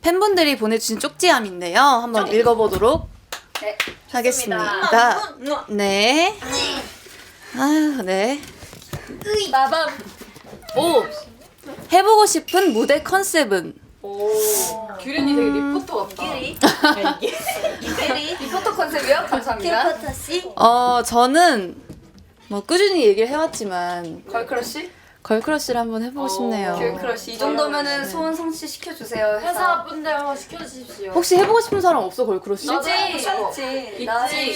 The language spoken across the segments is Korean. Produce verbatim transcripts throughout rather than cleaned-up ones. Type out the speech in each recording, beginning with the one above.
팬분들이 보내주신 쪽지함인데요. 한번 쪽... 읽어보도록 네, 하겠습니다. 네. 아유, 네. 마밤. 오! 해보고 싶은 무대 컨셉은? 오. 규린이 되게 리포터 같다. 규리? 규리? 리포터 컨셉이요? 감사합니다. 리포터 씨? 어, 저는 뭐 꾸준히 얘기를 해왔지만 걸크러쉬? 걸크러쉬를 한번 해보고 싶네요. 걸크러쉬. 이 정도면은 소원 성취 시켜주세요. 회사. 회사 분들 한번 시켜주십시오. 혹시 해보고 싶은 사람 없어, 걸크러쉬? 있지. 있지. 있지.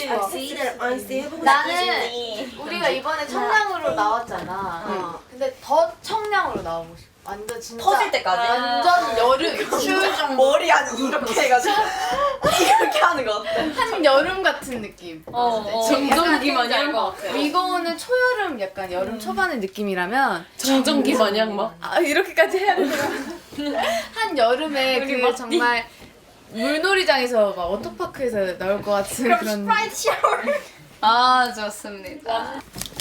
나는 우리가 이번에 청량으로 나왔잖아. 어. 근데 더 청량으로 나오고 싶어. 완전 진짜 터질 때까지? 완전 여름 추울 정도. 머리 안 이렇게 해가지고 이렇게 하는 거 어때? 한 여름 같은 느낌. 어, 어. 정전기 마냥 것 같아. 위고는 초여름 약간 여름 초반의 느낌이라면 정전기 마냥 막. 아 이렇게까지 해야 되나? 한 여름에 그 정말 물놀이장에서 막 워터파크에서 나올 것 같은 그런. 스프라이트 샤워. 아 좋습니다.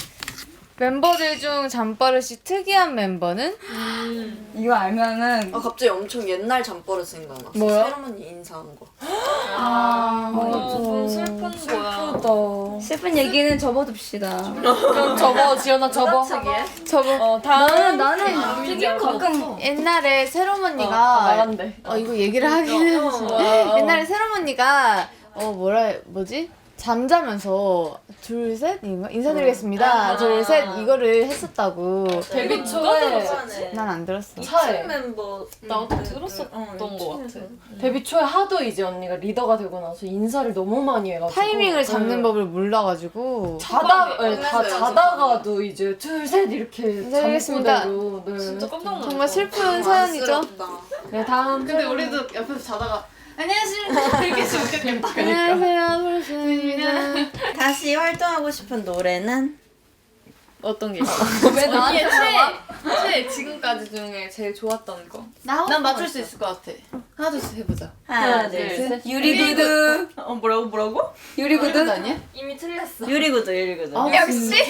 멤버들 중 잠버릇이 특이한 멤버는? 음. 이거 알면은 아 갑자기 엄청 옛날 잠버릇 생각나. 뭐야? 세레머니 인사한 거. 아, 어, 슬픈 거야. 슬프다. 슬픈 얘기는 접어둡시다. 그럼 접어, 지연아 접어. 접어. 어, 다음 나는 가끔 가끔 옛날에 새롬 언니가 나간대. 어, 이거 얘기를 하기는 옛날에 새롬 언니가 어 뭐라 뭐지? 잠자면서 둘, 셋 인사드리겠습니다. 아. 둘, 셋 이거를 했었다고. 데뷔 초에 난 안 들었어. 차에 멤버 나도 들었었던 거 같아. 데뷔 초에 하도 이제 언니가 리더가 되고 나서 인사를 너무 많이 해가지고 타이밍을 잡는 네. 법을 몰라가지고 자다 네, 다 자다가도 이제 둘 셋 이렇게 인사드리겠습니다. 잠꼬대로 네. 진짜 깜짝 놀랐어. 정말 슬픈 사연이죠. 네 다음 근데 우리도 옆에서 자다가 안녕하십니까 이렇게 좋겠다. 안녕하세요, 소르신입니다. 다시 활동하고 싶은 노래는? 어떤 게 있어? 왜 나한테 물어봐? 최 지금까지 중에 제일 좋았던 거. 난 맞출 수 있을 것 같아. 하나 둘셋 해보자. 하나 둘, 셋. 유리구두. 어 뭐라고 뭐라고? 유리구두 아니야? 이미 틀렸어. 유리구두 유리구두. 아, 역시.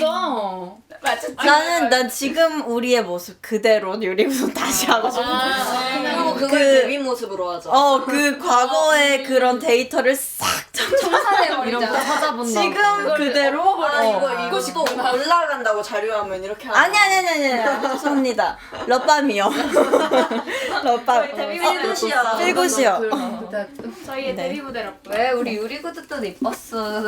나는 난 지금 우리의 모습 그대로 유리구두 다시 하고 싶어. 그리고 그- 그걸 데뷔 모습으로 하자. 어 그 과거의 그런 데이터를 싹 청산해버리자. 이런 거 찾아본다. 지금 그대로 아 어. 이거 이거 또 올라간다고 자료하면 이렇게 하는 아니 아니 아니 아니 죄송합니다. 럽밤이요. 럽밤. 데뷔 필굿이야. 필굿이요. 저희의 네. 데뷔 무대로. 왜 우리 유리구두 또 이뻤어.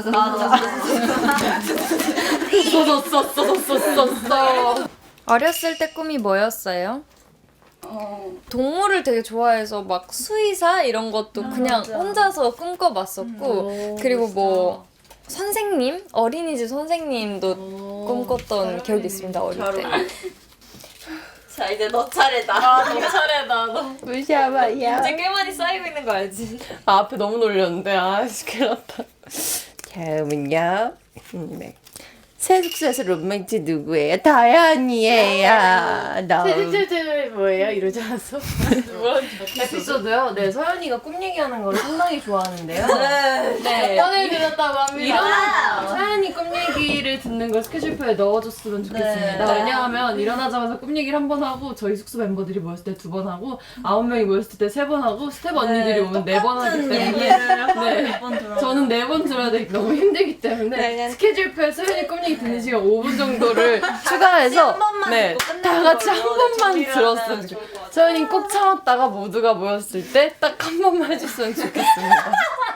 어렸을 때 꿈이 뭐였어요? 어. 동물을 되게 좋아해서 막 수의사 이런 것도 그냥 혼자서 꿈꿔봤었고 그리고 뭐 선생님? 어린이집 선생님도 꿈꿨던 기억이 있습니다 어릴 때. 자 이제 너 차례다. 너 차례다 너. 무시하마야. 이제 꽤 많이 쌓이고 있는 거 알지? 아 앞에 너무 놀렸는데 아씨 큰일 났다. 다음은요. 네. 새 숙소에서 룸메이트 누구예요? 다현이에요. 너무 제 뭐예요? 이러지 않았어? 에피소드요. 네 서연이가 꿈 얘기하는 걸 상당히 좋아하는데요. 네. 오늘 들었다고 합니다. 일어나 서연이 꿈 얘기를 듣는 걸 스케줄표에 넣어줬으면 좋겠습니다. 네. 왜냐하면 일어나자마자 꿈 얘기를 한 번 하고 저희 숙소 멤버들이 모였을 때 두 번 하고 아홉 명이 모였을 때 세 번 하고 스텝 언니들이 오면 네 번 하기 때문에 네. 저는 네 번 들어야 되기 너무 힘들기 때문에 스케줄표에 서연이 꿈 얘기 듣는 시간 오 분 정도를 추가해서 네, 다 같이 한 번만 들었으면 좋겠어요. 서연이 꼭 참았다가 모두가 모였을 때 딱 한 번만 해줬으면 좋겠습니다.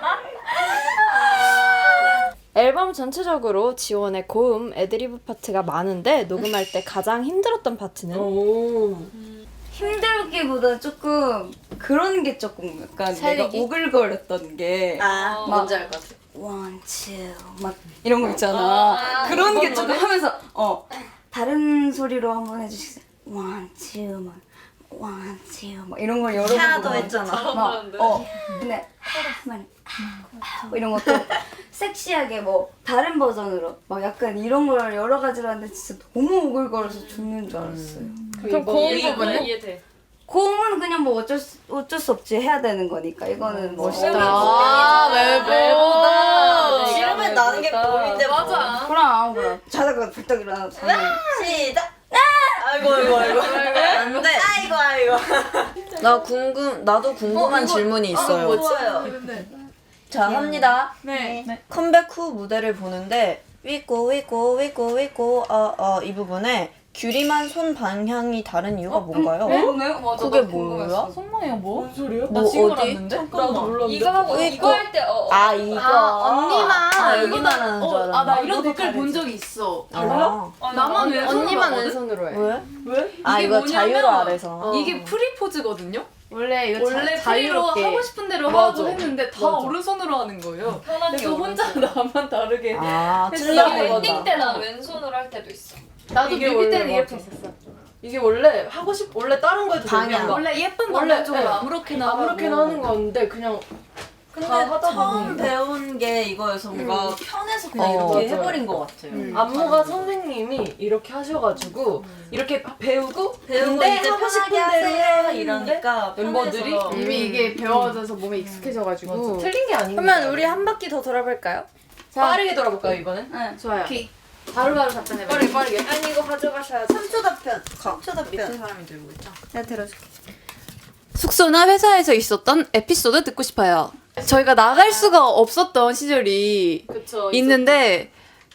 앨범 전체적으로 지원의 고음, 애드리브 파트가 많은데 녹음할 때 가장 힘들었던 파트는? 오. 힘들기보다 조금 그런 게 조금 약간 살리기? 내가 오글거렸던 게 아 뭔지 알 것 같아. 원, 투, 막 이런 거 있잖아. 그런 게 조금 하면서 어 다른 소리로 한번 해주시겠어요? 원, 투, 막 원, 투, 막 이런 걸 여러 번 하나도 보고 했잖아. 막, 어 근데 만 뭐 이런 것도 섹시하게 뭐 다른 버전으로 막 약간 이런 걸 여러 가지로 하는데 진짜 너무 오글거려서 죽는 줄 알았어요. 그럼 고음 부분은? 고음은 그냥 뭐 어쩔 수, 어쩔 수 없이 해야 되는 거니까 이거는 뭐 아, 외보다. 싫으면 나는 게 고민인데 맞아. 그럼 그럼 자다가 불떡 일어나서 자면 시작. 아이고 아이고 아이고. 안돼. 아이고 아이고. 나 궁금 나도 궁금한 질문이 있어요. 좋아요. 자 합니다. 네. 컴백 후 무대를 보는데 위고 위고 위고 위고 어어 이 부분에 규리만 손 방향이 다른 이유가 뭔가요? 그러네? 맞아, 그게 나 궁금했어. 뭐야? 손방이야 뭐? 뭔 소리야? 뭐 어디? 나도 몰랐는데. 이거 하고 이거 할 때 어. 아 이거. 언니만. 아 여기만 하는 줄 알았는데. 아, 나 이런 댓글 본 적이 있어. 달라? 나만 왼손으로 언니만 하거든? 왼손으로 해. 왜? 왜? 아 이게 이거 뭐냐면- 자유로 아래서. 이게 프리포즈거든요. 원래 이거 원래 자, 프리로 자유롭게. 하고 싶은 대로 맞아. 하고 했는데 다 맞아. 오른손으로 하는 거예요. 편하게 그래서 혼자 나만 다르게. 아 했어. 틀려고 웨딩 그런다. 때는 왼손으로 할 때도 있어. 나도 이게 뮤비 때는 원래 이렇게 맞아. 했었어. 이게 원래 하고 싶 원래 다른 거 해도 방향. 되는데 원래 예쁜 원래, 남자쪽으로 네. 아무렇게나 아무렇게나 하고. 하는 건데 그냥 근데 다 하다 처음 보니까. 배운 게 이거여서 뭔가 편해서 그냥 어, 이렇게 맞아요. 해버린 것 같아요. 안무가 선생님이 이렇게 하셔가지고 이렇게 배우고 배운 거 근데 이제 하고 싶은 편하게 대로 하세요 해야 이러니까 멤버들이 편해서. 이미 이게 배워져서 몸에 익숙해져가지고. 틀린 게 아닌가. 그러면 우리 한 바퀴 더 돌아볼까요? 빠르게 돌아볼까요 이번엔? 네. 좋아요. 바로바로 답변해봐. 빠르게 빠르게. 아니 이거 가져가셔야지. 삼 초 답변. 삼 초 답변. 밑에 사람이 들고 있죠. 내가 들어줄게. 숙소나 회사에서 있었던 에피소드 듣고 싶어요. 저희가 나갈 수가 없었던 시절이 그쵸. 있는데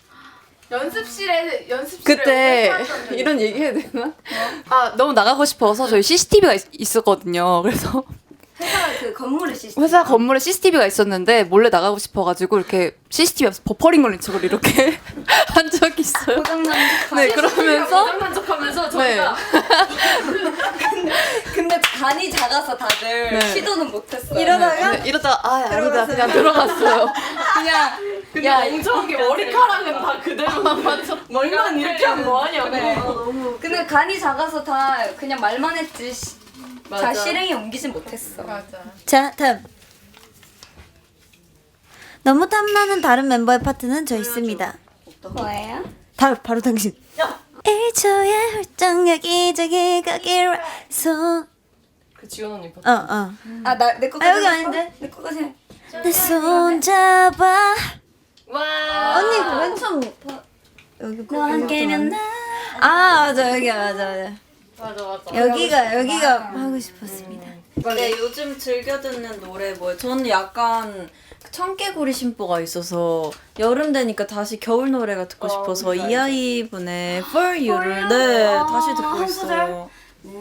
연습실에 연습실에 그때 오래 살았던 적이 이런 얘기 해야 되나? 아 너무 나가고 싶어서 저희 씨씨티비가 있었거든요. 그래서 회사 그 건물에 시스템. 회사 건물에 씨씨티비가 있었는데 몰래 나가고 싶어가지고 이렇게 씨씨티비 앞에서 버퍼링 걸린 척을 이렇게 한 적이 있어요. 고장난 네 그러면서 고장난 척하면서 네. 저희가 근데 간이 작아서 다들 네. 시도는 못했어요. 이러다가 네, 이러다가 아 아니다 그냥 들어갔어요. 그냥 야 엉성한 게 머리카락은 다 그대로만 맞춰. 머리만 이렇게 하면 뭐하냐고. 네. 근데 간이 작아서 다 그냥 말만 했지 시, 다 맞아. 실행에 옮기진 못했어. 맞아. 자, 다음. 너무 탐나는 다른 멤버의 파트는 저 있습니다. 뭐예요? 다음, 바로 당신. 일 초의 훌쩍 여기저기 가기로 손. 그 지원 언니 봐. 어, 어. 아 나 내 거까지 아, 여기 했어? 아닌데? 내 거까지 해. 내 손 잡아. 와. 언니 그 맨 처음 여기 너 함께면 나. 아, 맞아. 여기 맞아, 맞아. 맞아 맞아. 여기가, 여기가 하고 싶었습니다. 근데 요즘 즐겨 듣는 노래 뭐예요? 저는 약간 청개구리 심보가 있어서 여름 되니까 다시 겨울 노래가 듣고 어, 싶어서 뭔지 알죠. 이아이분의 For You를 네 다시 듣고 한 소절? 있어요.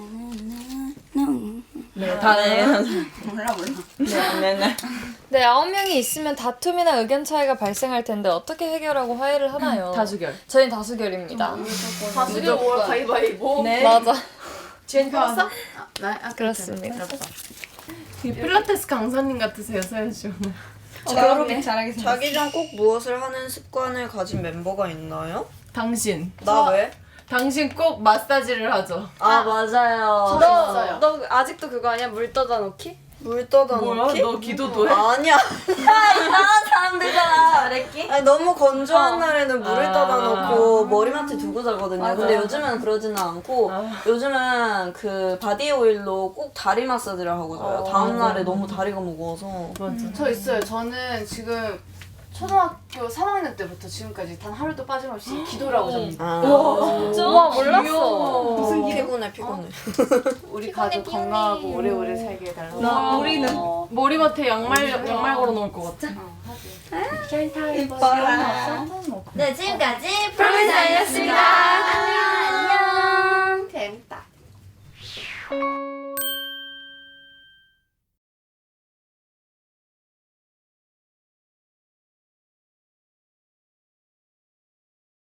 네, 다 네. 몰라 몰라. 네네네. 네, 아홉 명이 있으면 다툼이나 의견 차이가 발생할 텐데 어떻게 해결하고 화해를 하나요? 다수결. 저희는 다수결입니다. 다수결 오 가위바위보. 네. 맞아. 지연이 봤어? 나, 아, 그렇습니다. 이 필라테스 강사님 같으세요 서현 씨 오늘. 그렇게 잘하게 생겼어. 자기 전 꼭 무엇을 하는 습관을 가진 멤버가 있나요? 당신. 나 왜? 당신 꼭 마사지를 하죠. 아 맞아요. 있어요. 너 아직도 그거 아니야? 물 떠다 놓기? 물 떠다 뭐야? 놓기? 너 기도도 해? 아니야. 이상한 사람들잖아. 잘했기? 아니 너무 건조한 날에는 물을 아. 떠다 놓고 머리맡에 두고 자거든요. 맞아. 근데 요즘은 그러지는 않고 아. 요즘은 그 바디 오일로 꼭 다리 마사지를 하고 자요. 어. 다음 날에 너무 다리가 무거워서. 맞아. 저 있어요. 저는 지금 초등학교 삼 학년 때부터 지금까지 단 하루도 빠짐없이 기도를 하고 잡니다. 아. 우와, 몰랐어. 무슨 피곤해 피곤해. 우리 가족 건강하고 오래오래 살게 해달라고. 나 우리는 머리맡에 양말 양말 걸어 놓을 것 같아. 이뻐라. 네, 지금까지 프로미스였습니다. 안녕. 재밌다.